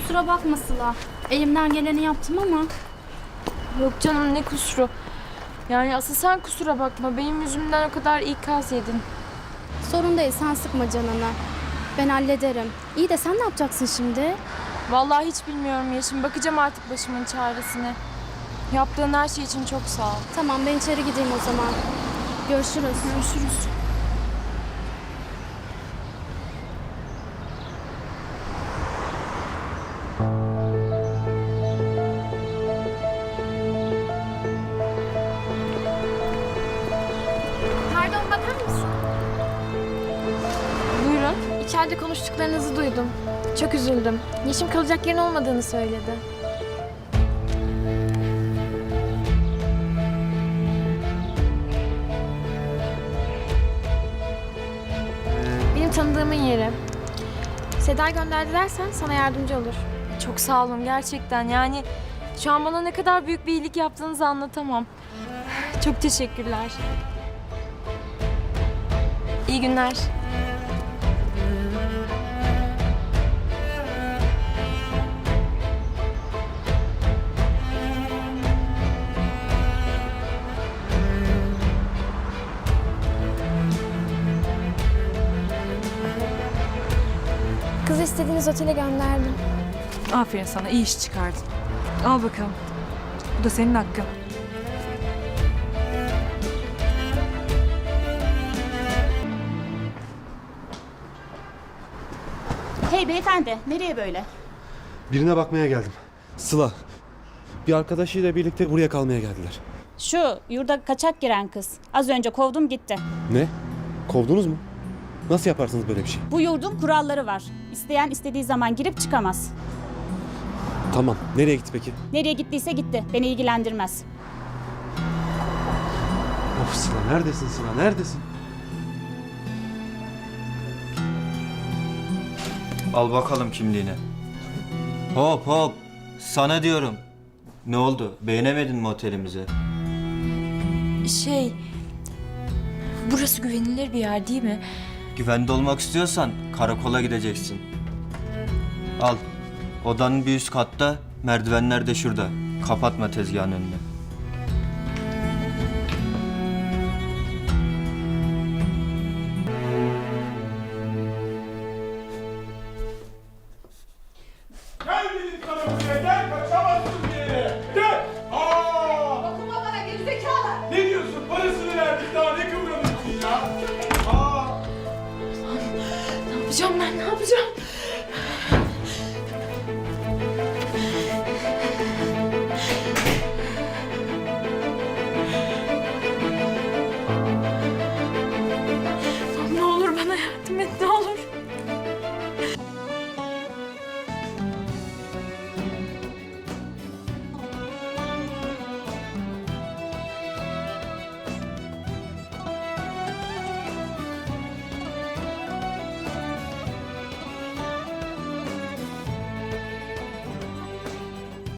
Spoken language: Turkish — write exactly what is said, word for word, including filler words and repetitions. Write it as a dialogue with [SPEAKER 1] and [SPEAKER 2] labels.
[SPEAKER 1] Kusura bakma Sıla. Elimden geleni yaptım ama.
[SPEAKER 2] Yok canım, ne kusuru. Yani asıl sen kusura bakma. Benim yüzümden o kadar ikaz yedin.
[SPEAKER 1] Sorun değil, sen sıkma canını. Ben hallederim. İyi de sen ne yapacaksın şimdi?
[SPEAKER 2] Vallahi hiç bilmiyorum Yeşim. Bakacağım artık başımın çaresine. Yaptığın her şey için çok sağ ol.
[SPEAKER 1] Tamam, ben içeri gideyim o zaman. Görüşürüz.
[SPEAKER 2] Görüşürüz.
[SPEAKER 3] Pardon, bakar mısın?
[SPEAKER 2] Buyurun.
[SPEAKER 3] İçeride konuştuklarınızı duydum. Çok üzüldüm. Yeşim kalacak yerin olmadığını söyledi. Benim tanıdığımın yeri. Seda gönderdi dersen sana yardımcı olur.
[SPEAKER 2] Çok sağ olun gerçekten. Yani şu an bana ne kadar büyük bir iyilik yaptığınızı anlatamam. Çok teşekkürler. İyi günler.
[SPEAKER 3] Kızı istediğiniz otele gönderdim.
[SPEAKER 4] Aferin sana, iyi iş çıkardın. Al bakalım. Bu da senin hakkın.
[SPEAKER 5] Hey beyefendi, nereye böyle?
[SPEAKER 6] Birine bakmaya geldim. Sıla. Bir arkadaşıyla birlikte buraya kalmaya geldiler.
[SPEAKER 5] Şu yurda kaçak giren kız. Az önce kovdum gitti.
[SPEAKER 6] Ne? Kovdunuz mu? Nasıl yaparsınız böyle bir şey?
[SPEAKER 5] Bu yurdun kuralları var. İsteyen istediği zaman girip çıkamaz.
[SPEAKER 6] Tamam. Nereye gitti peki?
[SPEAKER 5] Nereye gittiyse gitti. Beni ilgilendirmez.
[SPEAKER 6] Of Sıla, neredesin Sıla? Neredesin?
[SPEAKER 7] Al bakalım kimliğini. Hop hop. Sana diyorum. Ne oldu? Beğenemedin mi otelimizi?
[SPEAKER 2] Şey... Burası güvenilir bir yer değil mi?
[SPEAKER 7] Güvende olmak istiyorsan karakola gideceksin. Al. Odanın bir üst katta, merdivenler de şurada. Kapatma tezgahın önünü.
[SPEAKER 8] Gel dedim sana buraya, gel.